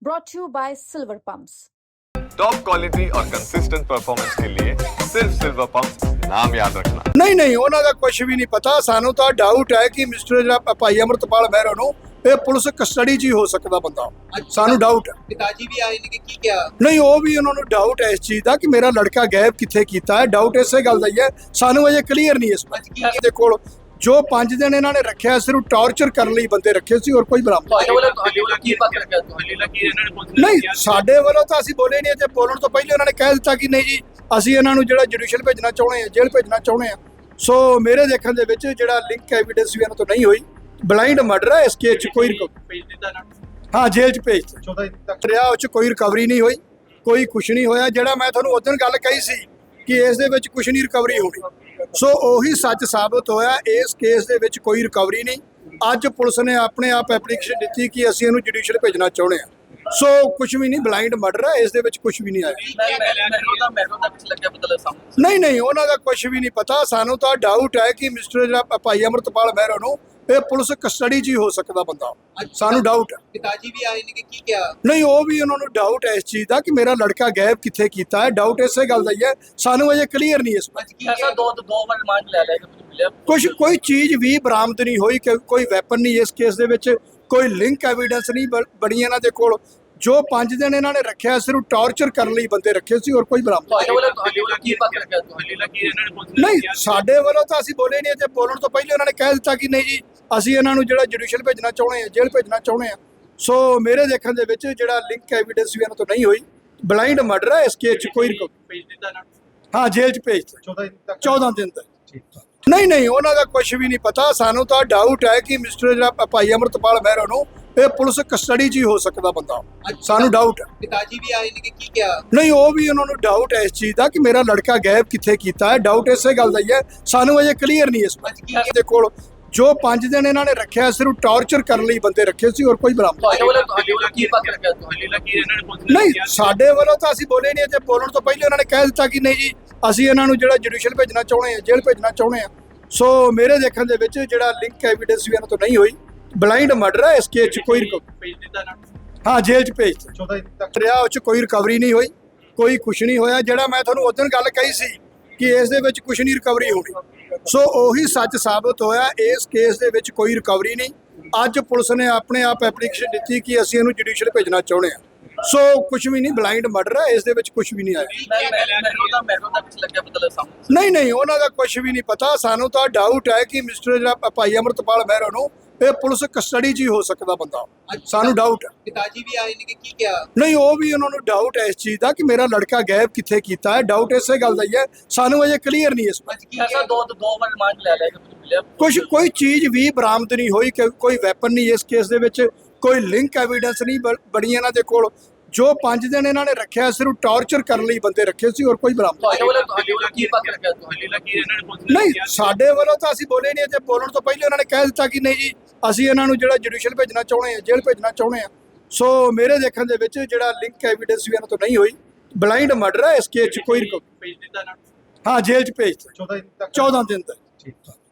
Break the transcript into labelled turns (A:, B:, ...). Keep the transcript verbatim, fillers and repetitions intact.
A: brought to you by Silver Pumps.
B: Top quality और consistent performance के लिए सिर्फ सिल्वर पंप नाम याद रखना।
C: नहीं नहीं ਉਹਨਾਂ ਦਾ ਕੁਝ ਵੀ ਨਹੀਂ ਪਤਾ। ਸਾਨੂੰ ਤਾਂ ਡਾਊਟ ਹੈ ਕਿ ਮਿਸਟਰ ਜਿਹੜਾ ਭਾਈ ਅਮਰਤਪਾਲ ਮਹਿਰਾ ਨੂੰ ਇਹ ਪੁਲਿਸ ਕਸਟਡੀ 'ਚ ਹੀ ਹੋ ਸਕਦਾ ਬੰਦਾ। ਸਾਨੂੰ ਡਾਊਟ ਹੈ।
D: ਪਿਤਾਜੀ ਵੀ ਆਏ ਨੇ ਕਿ ਕੀ ਕਿਹਾ?
C: ਨਹੀਂ ਉਹ ਵੀ ਉਹਨਾਂ ਨੂੰ ਡਾਊਟ ਹੈ ਇਸ ਚੀਜ਼ ਦਾ ਕਿ ਮੇਰਾ ਲੜਕਾ ਗਾਇਬ ਕਿੱਥੇ ਕੀਤਾ ਹੈ। ਡਾਊਟ ਇਸੇ ਗੱਲ ਦਾ ਹੀ ਹੈ, ਸਾਨੂੰ ਅਜੇ ਕਲੀਅਰ ਨਹੀਂ ਇਸ ਬਾਰੇ। ਦੇ ਕੋਲ ਜੋ ਪੰਜ ਦਿਨ ਇਹਨਾਂ ਨੇ ਰੱਖਿਆ ਸਿਰਫ ਟਾਰਚਰ ਕਰਨ ਲਈ ਬੰਦੇ ਰੱਖੇ ਸੀ, ਹੋਰ ਕੋਈ ਬਰਾਮਦ ਨਹੀਂ। ਸਾਡੇ ਵੱਲੋਂ ਤਾਂ ਅਸੀਂ ਬੋਲੇ ਨਹੀਂ, ਤੇ ਬੋਲਣ ਤੋਂ ਪਹਿਲੇ ਉਹਨਾਂ ਨੇ ਕਹਿ ਦਿੱਤਾ ਕਿ ਨਹੀਂ ਜੀ ਅਸੀਂ ਇਹਨਾਂ ਨੂੰ ਜਿਹੜਾ ਜੁਡੀਸ਼ੀਅਲ ਭੇਜਣਾ ਚਾਹੁੰਦੇ ਹਾਂ, ਜੇਲ੍ਹ ਭੇਜਣਾ ਚਾਹੁੰਦੇ ਹਾਂ। ਸੋ ਮੇਰੇ ਦੇਖਣ ਦੇ ਵਿੱਚ ਜਿਹੜਾ ਲਿੰਕ ਐਵੀਡੈਂਸ ਵੀ ਇਹਨਾਂ ਤੋਂ ਨਹੀਂ ਹੋਈ, ਬਲਾਈਂਡ ਮਰਡਰ ਹੈ। ਇਸ ਕੇਸ 'ਚ ਕੋਈ ਹਾਂ ਜੇਲ੍ਹ 'ਚ ਭੇਜ ਦਿੱਤਾ ਰਿਹਾ, ਉਹ 'ਚ ਕੋਈ ਰਿਕਵਰੀ ਨਹੀਂ ਹੋਈ, ਕੋਈ ਕੁਛ ਨਹੀਂ ਹੋਇਆ। ਜਿਹੜਾ ਮੈਂ ਤੁਹਾਨੂੰ ਉਸ ਦਿਨ ਗੱਲ ਕਹੀ ਸੀ ਕਿ ਇਸ ਦੇ ਵਿੱਚ ਕੁਛ ਨਹੀਂ ਰਿਕਵਰੀ ਹੋਣੀ, ਸੋ ਉਹੀ ਸੱਚ ਸਾਬਤ ਹੋਇਆ। ਇਸ ਕੇਸ ਦੇ ਵਿੱਚ ਕੋਈ ਰਿਕਵਰੀ ਨਹੀਂ। ਅੱਜ ਪੁਲਿਸ ਨੇ ਆਪਣੇ ਆਪ ਐਪਲੀਕੇਸ਼ਨ ਦਿੱਤੀ ਕਿ ਅਸੀਂ ਇਹਨੂੰ ਜੁਡੀਸ਼ੀਅਲ ਭੇਜਣਾ ਚਾਹੁੰਦੇ ਹਾਂ। ਸੋ ਕੁਛ ਵੀ ਨਹੀਂ, ਬਲਾਈਂਡ ਮਰਡਰ ਹੈ। ਇਸ ਦੇ ਵਿੱਚ ਕੁਛ ਵੀ ਨਹੀਂ ਆਇਆ। ਨਹੀਂ ਨਹੀਂ ਉਹਨਾਂ ਦਾ ਕੁਛ ਵੀ ਨਹੀਂ ਪਤਾ। ਸਾਨੂੰ ਤਾਂ ਡਾਊਟ ਹੈ ਕਿ ਮਿਸਟਰ ਜਿਹੜਾ ਭਾਈ ਅਮਰਤਪਾਲ ਮਹਿਰਾ ਨੂੰ ਇਹ ਪੁਲਿਸ ਕਸਟਡੀ 'ਚ ਹੀ ਹੋ ਸਕਦਾ ਬੰਦਾ। ਸਾਨੂੰ ਡਾਊਟ ਹੈ।
D: ਪਿਤਾਜੀ ਵੀ ਆਏ ਨੇ ਕਿ ਕੀ ਕਿਹਾ?
C: ਨਹੀਂ ਉਹ ਵੀ ਉਹਨਾਂ ਨੂੰ ਡਾਊਟ ਹੈ ਇਸ ਚੀਜ਼ ਦਾ ਕਿ ਮੇਰਾ ਲੜਕਾ ਗਾਇਬ ਕਿੱਥੇ ਕੀਤਾ ਹੈ। ਡਾਊਟ ਇਸੇ ਗੱਲ ਦਾ ਹੀ ਹੈ, ਸਾਨੂੰ ਅਜੇ ਕਲੀਅਰ ਨਹੀਂ ਇਸ ਬਾਰੇ। ਕੁਛ ਕੋਈ ਚੀਜ਼ ਵੀ ਬਰਾਮਦ ਨਹੀਂ ਹੋਈ, ਕੋਈ ਵੈਪਨ ਨਹੀਂ ਇਸ ਕੇਸ ਦੇ ਵਿੱਚ, ਕੋਈ ਲਿੰਕ ਐਵੀਡੈਂਸ ਨਹੀਂ ਬਣੀ ਇਹਨਾਂ ਦੇ ਕੋਲ। ਜੋ ਪੰਜ ਦਿਨ ਇਹਨਾਂ ਨੇ ਰੱਖਿਆ ਸਿਰਫ ਟਾਰਚਰ ਕਰਨ ਲਈ ਬੰਦੇ ਰੱਖੇ ਸੀ, ਹੋਰ ਕੋਈ ਬਰਾਮਦ ਨਹੀਂ। ਸਾਡੇ ਵੱਲੋਂ ਤਾਂ ਅਸੀਂ ਬੋਲੇ ਨਹੀਂ, ਤੇ ਬੋਲਣ ਤੋਂ ਪਹਿਲੇ ਉਹਨਾਂ ਨੇ ਕਹਿ ਦਿੱਤਾ ਕਿ ਨਹੀਂ ਜੀ ਅਸੀਂ ਇਹਨਾਂ ਨੂੰ ਜਿਹੜਾ ਜੁਡੀਸ਼ੀਅਲ ਭੇਜਣਾ ਚਾਹੁੰਦੇ ਹਾਂ, ਜੇਲ੍ਹ ਭੇਜਣਾ ਚਾਹੁੰਦੇ ਹਾਂ। ਸੋ ਮੇਰੇ ਦੇਖਣ ਦੇ ਵਿੱਚ ਜਿਹੜਾ ਲਿੰਕ ਐਵੀਡੈਂਸ ਵੀ ਇਹਨਾਂ ਤੋਂ ਨਹੀਂ ਹੋਈ, ਬਲਾਈਂਡ ਮਰਡਰ ਹੈ। ਇਸ ਕੇਸ 'ਚ ਕੋਈ ਹਾਂ ਜੇਲ੍ਹ 'ਚ ਭੇਜ ਦਿੱਤਾ ਚੌਦਾਂ ਦਿਨ ਤੱਕ। ਨਹੀਂ ਨਹੀਂ ਉਹਨਾਂ ਦਾ ਕੁਛ ਵੀ ਨਹੀਂ ਪਤਾ। ਸਾਨੂੰ ਤਾਂ ਡਾਊਟ ਹੈ ਕਿ ਮਿਸਟਰ ਜਿਹੜਾ ਭਾਈ ਅਮਰਤਪਾਲ ਮਹਿਰਾ ਨੂੰ ਇਹ ਪੁਲਿਸ ਕਸਟਡੀ 'ਚ ਹੀ ਹੋ ਸਕਦਾ ਬੰਦਾ। ਸਾਨੂੰ ਡਾਊਟ ਹੈ।
D: ਪਿਤਾਜੀ ਵੀ ਆਏ ਨੇ ਕਿ ਕੀ ਕਿਹਾ?
C: ਨਹੀਂ ਉਹ ਵੀ ਉਹਨਾਂ ਨੂੰ ਡਾਊਟ ਹੈ ਇਸ ਚੀਜ਼ ਦਾ ਕਿ ਮੇਰਾ ਲੜਕਾ ਗਾਇਬ ਕਿੱਥੇ ਕੀਤਾ ਹੈ। ਡਾਊਟ ਇਸੇ ਗੱਲ ਦਾ ਹੀ ਹੈ, ਸਾਨੂੰ ਅਜੇ ਕਲੀਅਰ ਨਹੀਂ ਇਸ ਬਾਰੇ। ਦੇ ਕੋਲ ਜੋ ਪੰਜ ਦਿਨ ਇਹਨਾਂ ਨੇ ਰੱਖਿਆ ਸਿਰਫ ਟਾਰਚਰ ਕਰਨ ਲਈ ਬੰਦੇ ਰੱਖੇ ਸੀ, ਹੋਰ ਕੋਈ ਬਰਾਮਦ ਨਹੀਂ। ਸਾਡੇ ਵੱਲੋਂ ਤਾਂ ਅਸੀਂ ਬੋਲੇ ਨਹੀਂ, ਤੇ ਬੋਲਣ ਤੋਂ ਪਹਿਲੇ ਉਹਨਾਂ ਨੇ ਕਹਿ ਦਿੱਤਾ ਕਿ ਨਹੀਂ ਜੀ ਅਸੀਂ ਇਹਨਾਂ ਨੂੰ ਜਿਹੜਾ ਜੁਡੀਸ਼ੀਅਲ ਭੇਜਣਾ ਚਾਹੁੰਦੇ ਹਾਂ, ਜੇਲ੍ਹ ਭੇਜਣਾ ਚਾਹੁੰਦੇ ਹਾਂ। ਸੋ ਮੇਰੇ ਦੇਖਣ ਦੇ ਵਿੱਚ ਜਿਹੜਾ ਲਿੰਕ ਐਵੀਡੈਂਸ ਵੀ ਇਹਨਾਂ ਤੋਂ ਨਹੀਂ ਹੋਈ, ਬਲਾਈਂਡ ਮਰਡਰ ਹੈ। ਇਸ ਕੇਸ 'ਚ ਕੋਈ ਹਾਂ ਜੇਲ੍ਹ 'ਚ ਭੇਜ ਦਿੱਤਾ ਰਿਹਾ, ਉਹ 'ਚ ਕੋਈ ਰਿਕਵਰੀ ਨਹੀਂ ਹੋਈ, ਕੋਈ ਕੁਛ ਨਹੀਂ ਹੋਇਆ। ਜਿਹੜਾ ਮੈਂ ਤੁਹਾਨੂੰ ਉਸ ਦਿਨ ਗੱਲ ਕਹੀ ਸੀ ਕਿ ਇਸ ਦੇ ਵਿੱਚ ਕੁਛ ਨਹੀਂ ਰਿਕਵਰੀ ਹੋਣੀ, ਸੋ ਉਹੀ ਸੱਚ ਸਾਬਤ ਹੋਇਆ। ਇਸ ਕੇਸ ਦੇ ਵਿੱਚ ਕੋਈ ਰਿਕਵਰੀ ਨਹੀਂ। ਅੱਜ ਪੁਲਿਸ ਨੇ ਆਪਣੇ ਆਪ ਐਪਲੀਕੇਸ਼ਨ ਦਿੱਤੀ ਕਿ ਅਸੀਂ ਇਹਨੂੰ ਜੁਡੀਸ਼ੀਅਲ ਭੇਜਣਾ ਚਾਹੁੰਦੇ ਹਾਂ। ਸੋ ਕੁਛ ਵੀ ਨਹੀਂ, ਬਲਾਈਂਡ ਮਰਡਰ ਹੈ। ਇਸ ਦੇ ਵਿੱਚ ਕੁਛ ਵੀ ਨਹੀਂ ਆਇਆ। ਨਹੀਂ ਨਹੀਂ ਉਹਨਾਂ ਦਾ ਕੁਛ ਵੀ ਨਹੀਂ ਪਤਾ। ਸਾਨੂੰ ਤਾਂ ਡਾਊਟ ਹੈ ਕਿ ਮਿਸਟਰ ਜਿਹੜਾ ਭਾਈ ਅਮਰਤਪਾਲ ਮਹਿਰਾ ਨੂੰ ਇਹ ਪੁਲਿਸ ਕਸਟਡੀ 'ਚ ਹੀ ਹੋ ਸਕਦਾ ਬੰਦਾ। ਸਾਨੂੰ ਡਾਊਟ ਹੈ।
D: ਪਿਤਾਜੀ ਵੀ ਆਏ ਨੇ ਕਿ ਕੀ ਕਿਹਾ?
C: ਨਹੀਂ ਉਹ ਵੀ ਉਹਨਾਂ ਨੂੰ ਡਾਊਟ ਹੈ ਇਸ ਚੀਜ਼ ਦਾ ਕਿ ਮੇਰਾ ਲੜਕਾ ਗਾਇਬ ਕਿੱਥੇ ਕੀਤਾ ਹੈ। ਡਾਊਟ ਇਸੇ ਗੱਲ ਦਾ ਹੀ ਹੈ, ਸਾਨੂੰ ਅਜੇ ਕਲੀਅਰ ਨਹੀਂ ਇਸ ਬਾਰੇ। ਕੁਛ ਕੋਈ ਚੀਜ਼ ਵੀ ਬਰਾਮਦ ਨਹੀਂ ਹੋਈ, ਕੋਈ ਵੈਪਨ ਨਹੀਂ ਇਸ ਕੇਸ ਦੇ ਵਿੱਚ, ਕੋਈ ਲਿੰਕ ਐਵੀਡੈਂਸ ਨਹੀਂ ਬਣੀ ਇਹਨਾਂ ਦੇ ਕੋਲ। ਜੋ ਪੰਜ ਦਿਨ ਇਹਨਾਂ ਨੇ ਰੱਖਿਆ ਸਿਰਫ ਟਾਰਚਰ ਕਰਨ ਲਈ ਬੰਦੇ ਰੱਖੇ ਸੀ, ਹੋਰ ਕੋਈ ਬਰਾਮਦ ਨਹੀਂ। ਸਾਡੇ ਵੱਲੋਂ ਤਾਂ ਅਸੀਂ ਬੋਲੇ ਨਹੀਂ, ਤੇ ਬੋਲਣ ਤੋਂ ਪਹਿਲੇ ਉਹਨਾਂ ਨੇ ਕਹਿ ਦਿੱਤਾ ਕਿ ਨਹੀਂ ਜੀ ਅਸੀਂ ਇਹਨਾਂ ਨੂੰ ਜਿਹੜਾ ਜੁਡੀਸ਼ੀਅਲ ਭੇਜਣਾ ਚਾਹੁੰਦੇ ਹਾਂ, ਜੇਲ੍ਹ ਭੇਜਣਾ ਚਾਹੁੰਦੇ ਹਾਂ। ਸੋ ਮੇਰੇ ਦੇਖਣ ਦੇ ਵਿੱਚ ਜਿਹੜਾ ਲਿੰਕ ਐਵੀਡੈਂਸ ਵੀ ਇਹਨਾਂ ਤੋਂ ਨਹੀਂ ਹੋਈ, ਬਲਾਈਂਡ ਮਰਡਰ ਹੈ। ਇਸ ਕੇਸ 'ਚ ਕੋਈ ਹਾਂ ਜੇਲ੍ਹ 'ਚ ਭੇਜ ਦਿੱਤਾ ਚੌਦਾਂ ਦਿਨ ਤੱਕ।